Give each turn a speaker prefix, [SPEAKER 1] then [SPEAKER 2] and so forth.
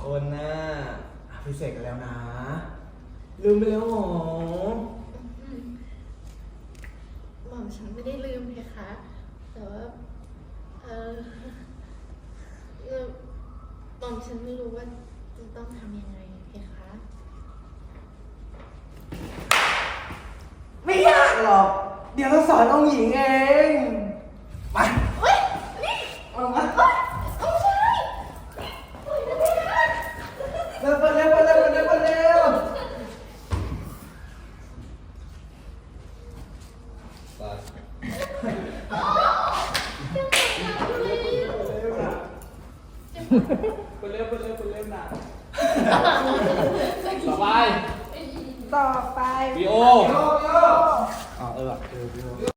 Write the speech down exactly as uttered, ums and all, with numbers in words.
[SPEAKER 1] คนน่ะพิเศษกันแล้วนะ ลืมไปแล้วหรอ
[SPEAKER 2] หม่อมฉันไม่ได้ลืมเพคะ แต่ว่า เออเออหม่อมฉันไม่รู้ว่าจะต้องทำยังไงเพคะ
[SPEAKER 1] ไม่ยากหรอก เดี๋ยวเราสอนองค์หญิงเอง มา
[SPEAKER 2] เฮ้ย นี่
[SPEAKER 1] เอามา
[SPEAKER 2] เฮ้ยเอาใช่ปล่อยนะเพคะ
[SPEAKER 1] เร็วเร็วเร็วเร็วเร็วเร็วไป
[SPEAKER 2] ยังไงนะเลย
[SPEAKER 1] เร็วนะไปเร็วไปเร็วไปเร็วนะต่อไป
[SPEAKER 3] ต่อไป
[SPEAKER 1] วิโออ๋อเออเออวิโอ